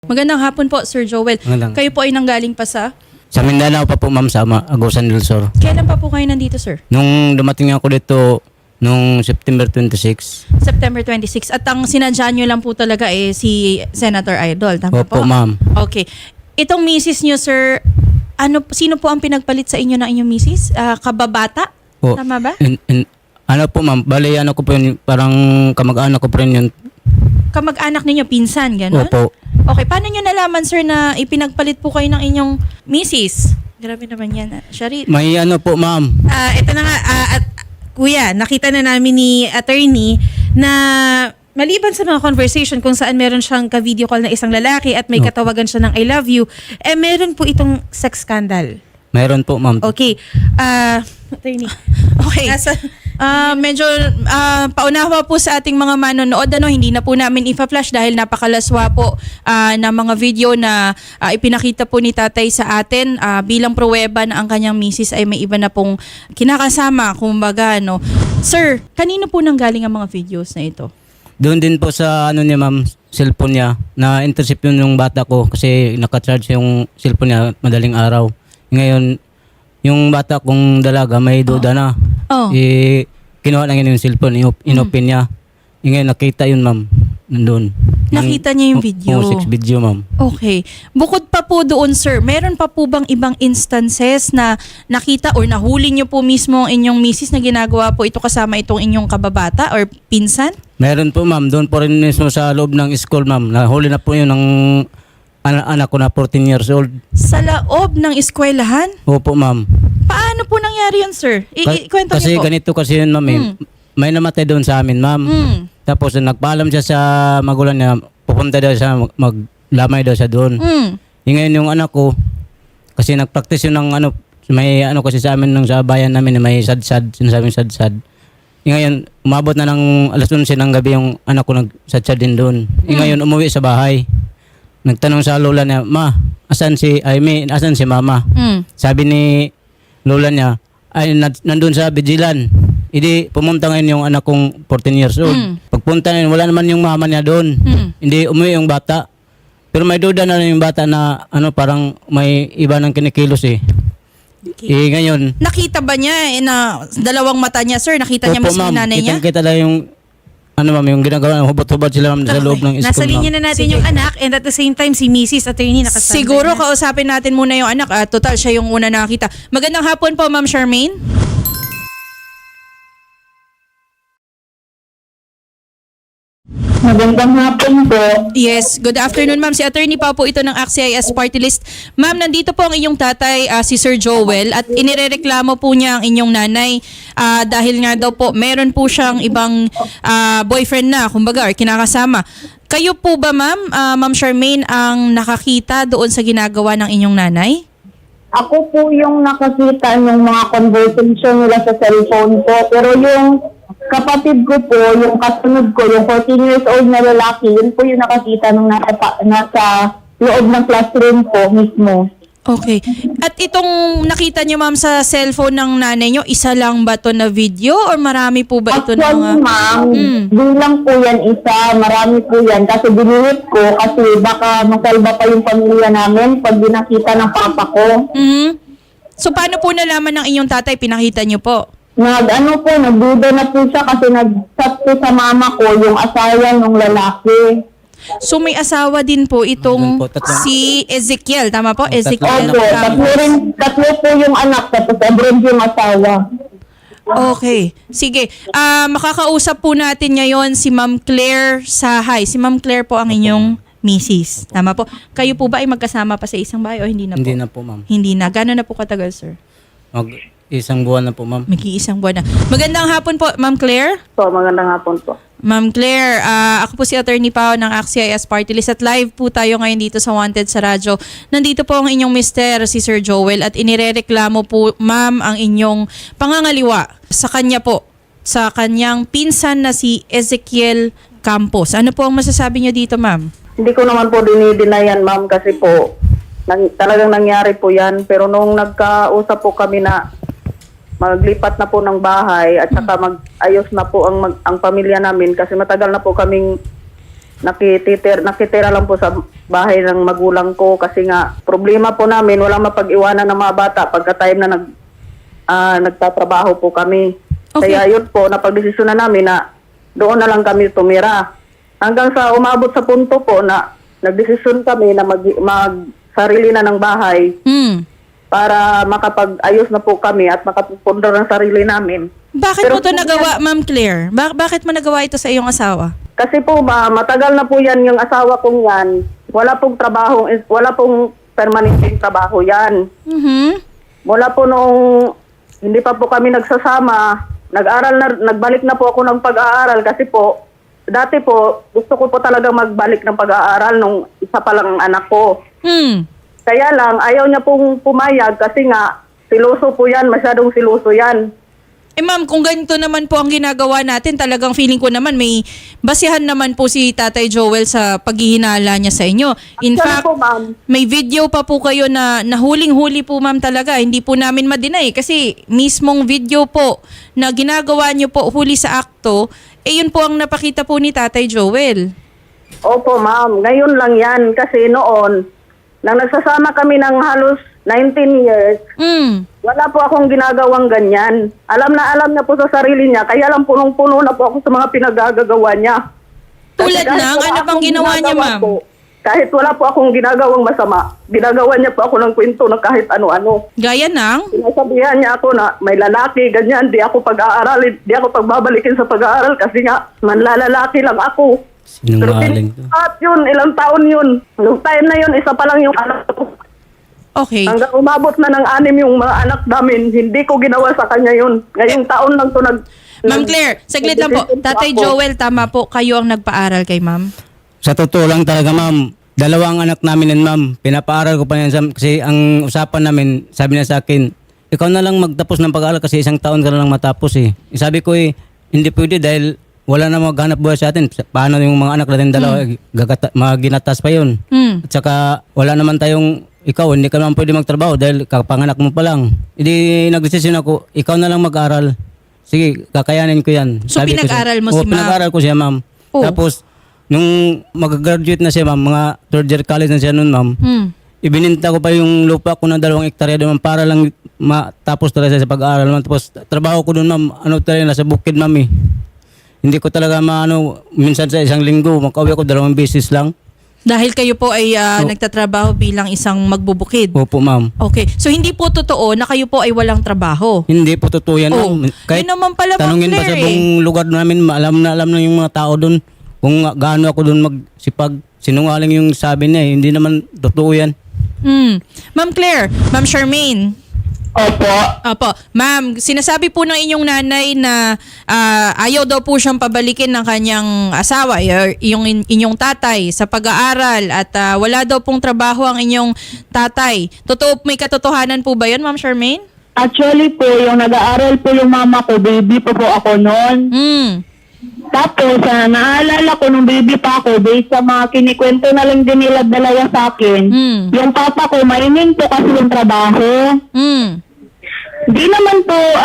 Magandang hapon po, Sir Joel. Magandang. Kayo po ay nanggaling pa sa... Sa Mindanao pa po ma'am, sa Agusan del Sur. Kailan pa po kayo nandito, sir? Nung dumating ako dito, nung September 26. September 26. At ang sinadya nyo lang po talaga si Senator Idol. Tama po? Opo ma'am. Okay. Itong misis nyo, sir, sino po ang pinagpalit sa inyo ng inyong misis? Kababata? Po. Tama ba? Ano po ma'am, bali ano ko po yun, parang kamag-anak ko po rin yun. Kamag-anak ninyo, pinsan, gano'n? Opo. Okay, paano nyo nalaman, sir, na ipinagpalit po kayo ng inyong misis? Grabe naman yan, Shari. May ano po ma'am. Ito na nga, at kuya, nakita na namin ni attorney na maliban sa mga conversation kung saan meron siyang ka-video call na isang lalaki at may katawagan siya ng I love you, meron po itong sex scandal. Mayroon po ma'am. Okay. Attorney. Okay. Medyo paunawa po sa ating mga manonood, hindi na po namin ipa-flash dahil napakalaswa po na mga video na ipinakita po ni tatay sa atin bilang pruweba na ang kanyang misis ay may iba na pong kinakasama, kumbaga, no. Sir, kanino po nanggaling ang mga videos na ito? Doon din po sa ano niya ma'am, cellphone niya, na-intercept yun yung bata ko kasi naka-charge yung cellphone niya madaling araw. Ngayon, yung bata kong dalaga may duda na. Oh. Kinuha lang yun yung cellphone, inopen niya. Ngayon, nakita yun ma'am, nandun. Nakita niya yung video? Oo, 6 video ma'am. Okay. Bukod pa po doon, sir, meron pa po bang ibang instances na nakita or nahuli niyo po mismo ang inyong misis na ginagawa po ito kasama itong inyong kababata or pinsan? Meron po ma'am, doon po rin mismo sa loob ng school ma'am. Nahuli na po yun ng anak ko na 14 years old. Sa loob ng eskwelahan? Opo ma'am. Paano po nangyari yun, sir? Ikwento Kasi niyo po. ganito kasi yun ma'am eh. May namatay doon sa amin ma'am. Tapos nagpaalam siya sa magulang niya, pupunta daw siya, maglamay daw siya doon. Ngayon yung anak ko, kasi nagpractice yun ng ano, may ano kasi sa amin nung sa bayan namin, may sad-sad, sinasabing sad-sad. Ngayon, umabot na ng alas 11 ng gabi yung anak ko nag-sad-sad din doon. Ngayon, umuwi sa bahay. Nagtanong sa lola niya, Ma, asan si mama? Sabi ni lola niya, ay nandun sa Bijilan. Hindi, pumunta ngayon yung anak kong 14 years old. Pagpunta ngayon, wala naman yung mama niya doon. Hindi umuwi yung bata. Pero may duda na yung bata na ano, parang may iba ng kinikilos eh. Okay. Ngayon, Nakita ba niya na dalawang mata niya, sir? Nakita niya opo, mismo yung ma'am, nanay niya? kita lang yung ano ma'am, yung ginagawa, hubot-hubot sila ma'am, sa loob ng school. Nasa linya na natin yung anak and at the same time si Mrs. Attorney nakasama. Siguro kausapin natin muna yung anak. Total, siya yung una nakita. Magandang hapon po, Ma'am Charmaine. Magandang hapon po. Yes, good afternoon, ma'am. Si attorney pa po ito ng ACT-CIS Party List. Ma'am, nandito po ang inyong tatay, si Sir Joel, at inirereklamo po niya ang inyong nanay dahil nga daw po meron po siyang ibang boyfriend na, kumbaga, or kinakasama. Kayo po ba, ma'am, Ma'am Charmaine, ang nakakita doon sa ginagawa ng inyong nanay? Ako po yung nakakita ng mga conversation nila sa cellphone po. Pero yung kapatid ko po, yung kasunod ko, yung 14 years old na lalaki, yun po yung nakakita nung nasa loob ng classroom po mismo. Okay. At itong nakita niyo, ma'am, sa cellphone ng nanay niyo, isa lang ba to na video or marami po ba ito na mga... Actually, ma'am, bilang po yan isa, marami po yan. Kasi dinilit ko kasi baka masalba pa yung pamilya namin pag dinakita ng papa ko. So, paano po nalaman ng inyong tatay? Pinakita niyo po? Nagduda na po siya kasi nag-chat po sa mama ko yung asawa ng lalaki. So, may asawa din po itong Meron po, tatlong- si Ezekiel. Tama po? Ezekiel. Opo, tatlo po yung anak, tapos abroad yung asawa. Okay. Sige. Makakausap po natin ngayon si Ma'am Claire Sahay. Si Ma'am Claire po ang inyong misis. Tama po. Kayo po ba ay magkasama pa sa isang bahay o hindi na po? Hindi na po ma'am. Hindi na. Gano'n na po katagal, sir? Isang buwan na po ma'am. Mag-iisang buwan na. Magandang hapon po, Ma'am Claire. So, magandang hapon po. Ma'am Claire, ako po si Attorney Pao ng ACT-CIS Party List at live po tayo ngayon dito sa Wanted sa Radyo. Nandito po ang inyong mister, si Sir Joel, at inirereklamo po, ma'am, ang inyong pangangaliwa sa kanya po, sa kanyang pinsan na si Ezekiel Campos. Ano po ang masasabi niyo dito, ma'am? Hindi ko naman po dinidinayan, ma'am, kasi po talagang nangyari po yan. Pero nung nagkausap po kami na maglipat na po ng bahay at saka mag-ayos na po ang pamilya namin kasi matagal na po kaming nakitira lang po sa bahay ng magulang ko kasi nga problema po namin, walang mapag-iwanan ng mga bata pagka time na nagtatrabaho po kami. Okay. Kaya yun po, napagdesisyon na namin na doon na lang kami tumira. Hanggang sa umabot sa punto po na nagdesisyon kami na mag-sarili na ng bahay Hmm. para makapag-ayos na po kami at makapagpundar ng sarili namin. Bakit Pero mo to po nagawa, Ma'am Claire? Bakit mo nagawa ito sa iyong asawa? Kasi po matagal na po yan yung asawa kong yan. Wala pong trabaho, wala pong permanenteng trabaho yan. Mhm. Mula po nung hindi pa po kami nagsasama, nagbalik na po ako ng pag-aaral kasi po, dati po, gusto ko po talaga magbalik ng pag-aaral nung isa pa lang ang anak ko. Hmm. Kaya lang, ayaw niya pong pumayag kasi nga, siluso po yan, masyadong siluso yan. Eh ma'am, kung ganito naman po ang ginagawa natin, talagang feeling ko naman may basihan naman po si Tatay Joel sa paghihinala niya sa inyo. In Sana fact, po, ma'am. may video pa po kayo na nahuling-huli po ma'am talaga. Hindi po namin ma-deny kasi mismong video po na ginagawa niyo po huli sa akto, yun po ang napakita po ni Tatay Joel. Opo, ma'am. Ngayon lang yan kasi noon, nang nagsasama kami ng halos 19 years, Hmm. wala po akong ginagawang ganyan. Alam niya po sa sarili niya, kaya lang punong-puno na po ako sa mga pinagagagawa niya. Tulad kahit ng, wala ano bang akong ginawa niya, ginagawa ma'am? po, kahit wala po akong ginagawang masama, ginagawa niya po ako ng kwento ng kahit ano-ano. Gaya ng? Sinasabihan niya ako na may lalaki, ganyan, di ako pag-aaralin, di ako pagbabalikin sa pag-aaral kasi nga, manlalalaki lang ako. Pero Sinungaling to. at yun, ilang taon yun. Nung time na yun, isa pa lang yung anak ko. Okay. Hanggang umabot na ng 6 yung mga anak namin, hindi ko ginawa sa kanya yun. Ngayong taon lang to Ma'am Claire, saglit lang po. nagdesisyon Tatay ako. Joel, tama po. Kayo ang nagpaaral kay ma'am? Sa totoo lang talaga, ma'am. Dalawang anak namin yan, ma'am. Pinapaaral ko pa yan kasi ang usapan namin, sabi niya sa akin, ikaw na lang magtapos ng pag-aaral kasi 1 taon ka na lang matapos eh. Sabi ko hindi pwede dahil wala na maghanap buhay sa atin. Paano yung mga anak natin dalawa, maginatas pa yun. Hmm. At saka wala naman tayong, ikaw hindi ka naman pwede magtrabaho dahil kapanganak mo pa lang. Hindi nagdesisyon ako, ikaw na lang mag-aral. Sige, kakayanin ko yan. So, Sabi ko siya. pinag-aral mo Oo, si ma'am? pinag-aral ko siya, ma'am. Oh. Tapos, nung mag-graduate na siya, ma'am, mga third year college na siya noon, ma'am, Hmm. ibininta ko pa yung lupa ko na 2 hektarya doon, ma'am, para lang matapos talaga siya sa pag-aaral, ma'am. Tapos, trabaho ko doon, ma'am, talaga, nasa bukid, ma'am, eh. Hindi ko talaga minsan sa isang linggo, makauwi ako 2 beses lang. Dahil kayo po ay nagtatrabaho bilang isang magbubukid. Opo, ma'am. Okay. So, hindi po totoo na kayo po ay walang trabaho. Hindi po totoo yan, Oh, ma'am. yun naman pala, Ma'am tanungin pa sa Claire, buong lugar namin, alam na yung mga tao doon kung gaano ako doon magsipag. Sinungaling yung sabi niya, hindi naman totoo yan. Hmm. Ma'am Claire, Ma'am Charmaine. Opo. Opo. Ma'am, sinasabi po ng inyong nanay na ayaw daw po siyang pabalikin ng kanyang asawa, yung inyong tatay sa pag-aaral at wala daw pong trabaho ang inyong tatay. May katotohanan po ba yun, Ma'am Charmaine? Actually po, yung nag-aaral po yung mama ko, baby po ako noon. Hmm. Tapos, naalala ko nung baby pa ako, based sa mga kinikwento na lang din nila dalawa sa akin, Hmm. yung papa ko, mainin po kasi yung trabaho. Hmm. Di naman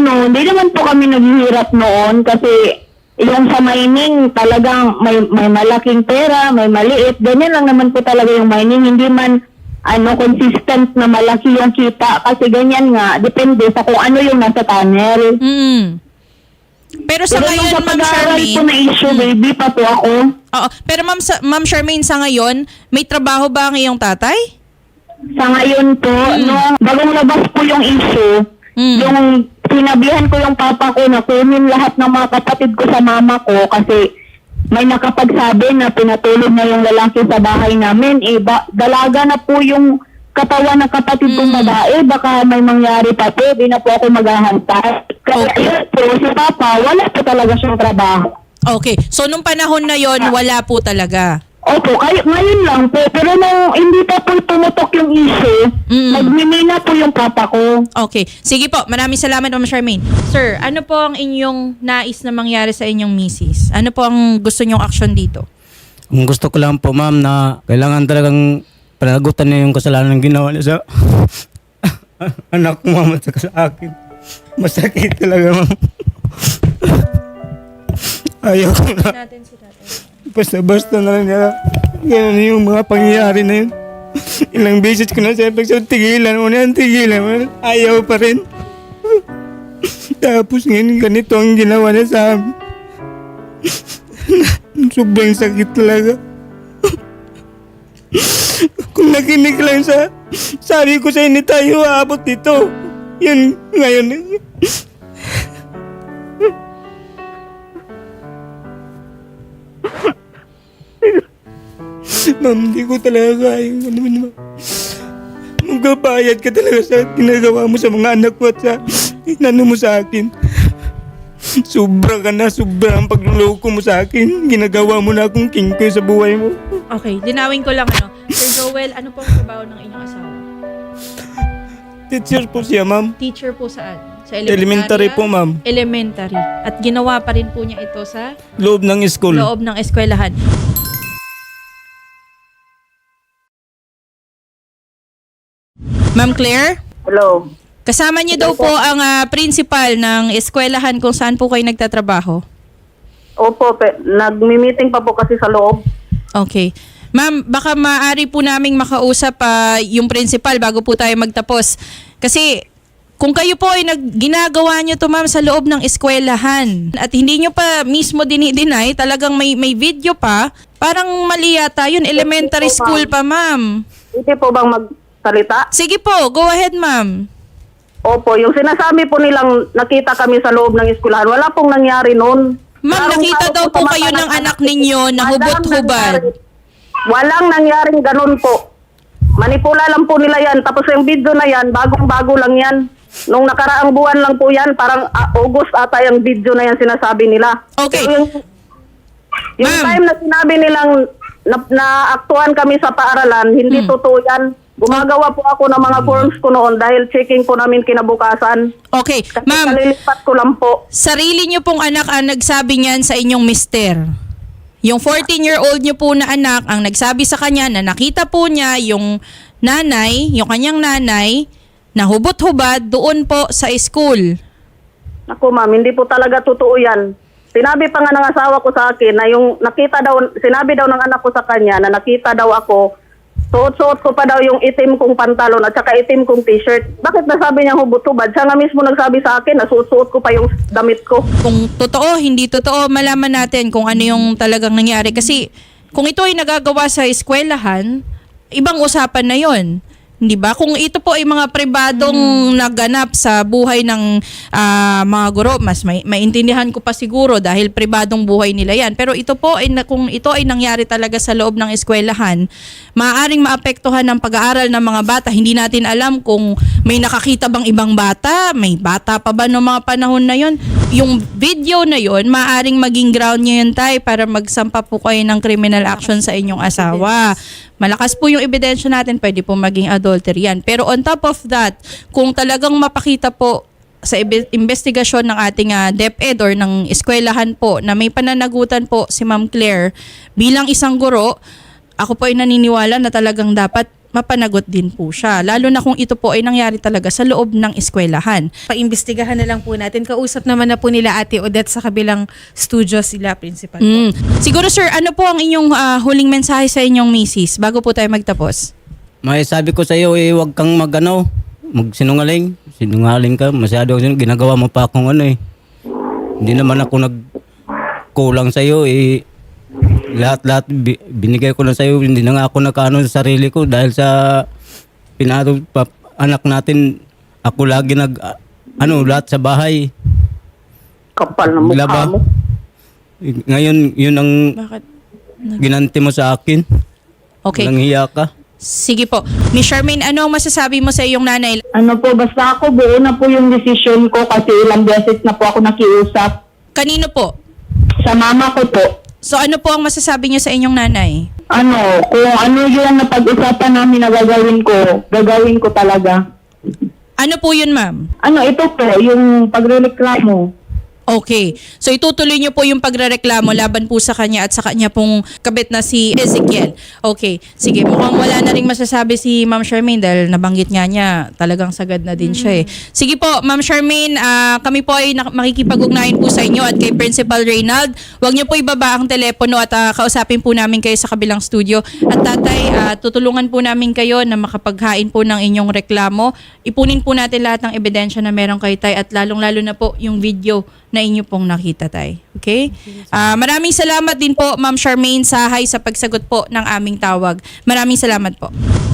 po kami naghihirap noon kasi yung sa mining talagang may malaking pera, may maliit. Ganyan lang naman po talaga yung mining. Hindi man consistent na malaki yung kita kasi ganyan nga, depende sa kung ano yung nasa tunnel. Hmm. Pero sa Pero yung ngayon, sa Ma'am pag-aaral po Charmaine, na issue, baby pa po ako. oo, pero Ma'am Charmaine, sa ngayon, may trabaho ba ang iyong tatay? Sa ngayon po, nung bagong labas po yung issue, yung sinabihan ko yung papa ko na kunin lahat ng mga kapatid ko sa mama ko kasi may nakapagsabi na pinatulog na yung lalaki sa bahay namin. Dalaga na po yung katawan ng kapatid kong babae. Baka may mangyari pa po. Di na po ako maghahantay. Kaya yun po, si papa, wala po talaga siyang trabaho. Okay. So, nung panahon na yon wala po talaga. Opo, ngayon lang po. Pero nung hindi pa po tumutok yung issue, nagmimina po yung papa ko. Okay. Sige po. Maraming salamat, Ma'am Charmaine. Sir, ano po ang inyong nais na mangyari sa inyong misis? Ano po ang gusto nyong action dito? Ang gusto ko lang po, ma'am, na kailangan talagang panagutan niya yung kasalanan ng ginawa niya sa anak ko, ma'am, at saka sa akin. Masakit talaga, ma'am. Ayaw ko na. Basta-basta na lang niya. Ganun yung mga pangyayari na yun. Ilang beses ko na siya tigilan mo na yan, tigilan mo na. Ayaw pa rin. Tapos ngayon ganito ang ginawa niya sa amin. Sobrang sakit talaga. Kung nakinig lang sa sabi ko sa hindi tayo aabot dito. Yun ngayon. Ma'am, hindi ko talaga kayang ma'am. Magbabayad ka talaga sa ginagawa mo sa mga anak ko at sa inano mo sa akin. Sobra ang pagluloko mo sa akin. Ginagawa mo na akong king ko sa buhay mo. Okay, linawin ko lang Sir Joel, ano po ang trabaho ng inyong asawa? Teacher po siya, ma'am. Teacher po saan? Sa Elementary po, ma'am. Elementary. At ginawa pa rin po niya ito sa Loob ng school. loob ng eskwelahan. Ma'am Claire? Hello. Kasama niyo daw po ang principal ng eskwelahan kung saan po kayo nagtatrabaho. Opo, nagmi-meeting pa po kasi sa loob. Okay. Ma'am, baka maaari po naming makausap yung principal bago po tayo magtapos. Kasi kung kayo po ay ginagawa nyo to ma'am sa loob ng eskwelahan at hindi nyo pa mismo dinideny, talagang may video pa, parang mali yata yun. Elementary school pa ma'am. Hindi po bang magsalita? Sige po, go ahead ma'am. Opo, yung sinasabi po nilang nakita kami sa loob ng eskwelahan, wala pong nangyari noon. Ma'am, nakita daw po kayo ng anak ninyo na hubot-hubad. Walang nangyaring ganun po. Manipula lang po nila yan. Tapos yung video na yan, bagong-bago lang yan. Nung nakaraang buwan lang po yan, parang August ata yung video na yan sinasabi nila. Okay. Pero yung Ma'am. time na sinabi nilang na-aktuhan kami sa paaralan, hindi totoo yan. Gumagawa po ako ng mga forms ko noon dahil checking po namin kinabukasan. Okay. Kasi Ma'am, kalilipat ko lang po. sarili nyo pong anak ang nagsabi niyan sa inyong mister. Yung 14-year-old nyo po na anak ang nagsabi sa kanya na nakita po niya yung nanay, yung kanyang nanay, na hubot-hubad doon po sa school. Ako ma'am, hindi po talaga totoo yan. Sinabi pa nga ng asawa ko sa akin na yung nakita daw, sinabi daw ng anak ko sa kanya na nakita daw ako, suot-suot ko pa daw yung itim kong pantalon at saka itim kong t-shirt. Bakit nasabi niya hubot-hubad? Siya nga mismo nagsabi sa akin na suot-suot ko pa yung damit ko. Kung totoo, hindi totoo, malaman natin kung ano yung talagang nangyari. Kasi kung ito ay nagagawa sa eskwelahan, ibang usapan na yon. Di ba? Kung ito po ay mga pribadong naganap sa buhay ng mga guro, mas maintindihan ko pa siguro dahil pribadong buhay nila yan. Pero ito po, kung ito ay nangyari talaga sa loob ng eskwelahan, maaaring maapektuhan ng pag-aaral ng mga bata. Hindi natin alam kung may nakakita bang ibang bata, may bata pa ba noong mga panahon na yon. Yung video na yon, maaaring maging ground nyo yun tayo para magsampa po kayo ng criminal action sa inyong asawa. Malakas po yung ebidensya natin, pwede po maging adultery yan. Pero on top of that, kung talagang mapakita po sa investigasyon ng ating DepEd or ng eskwelahan po na may pananagutan po si Ma'am Claire bilang isang guro, ako po ay naniniwala na talagang dapat mapanagot din po siya. Lalo na kung ito po ay nangyari talaga sa loob ng eskwelahan. Paimbestigahan na lang po natin. Kausap naman na po nila Ate Odette sa kabilang studio sila, principal po. Siguro sir, ano po ang inyong huling mensahe sa inyong misis bago po tayo magtapos? May sabi ko sa iyo, huwag kang magsinungaling. Sinungaling ka, masyado ginagawa mo pa akong Hindi naman ako nagkulang sa iyo lahat binigay ko na sa iyo, hindi na nga ako nakano sa sarili ko dahil sa anak natin, ako lagi lahat sa bahay. Kapal na mukha Laba. mo. Ngayon, yun ang Bakit? ginanti mo sa akin. Okay. Nanghiya ka. Sige po. Miss Charmaine, ano ang masasabi mo sa iyong nanay? Ano po, basta ako buo na po yung decision ko kasi ilang beses na po ako nakiusap Kanino po? sa mama ko po. So ano po ang masasabi niyo sa inyong nanay? Ano, kung ano yung napag-usapan namin na gagawin ko talaga. Ano po yun, ma'am? Ano, ito po, yung pagrereklamo. Okay. So itutuloy niyo po yung pagrereklamo laban po sa kanya at sa kanya pong kabit na si Ezekiel. Okay. Sige, mukhang wala na ring masasabi si Ma'am Charmaine dahil nabanggit nga niya talagang sagad na din siya eh. Sige po, Ma'am Charmaine, kami po ay makikipag-ugnayan po sa inyo at kay Principal Reynald. Huwag niyo po ibaba ang telepono at kausapin po namin kayo sa kabilang studio. At tatay, tutulungan po namin kayo na makapaghain po ng inyong reklamo. Ipunin po natin lahat ng ebidensya na meron kay tay at lalong-lalo na po yung video na inyo pong nakita, tay. Okay? Maraming salamat din po, Ma'am Charmaine Sahay, sa pagsagot po ng aming tawag. Maraming salamat po.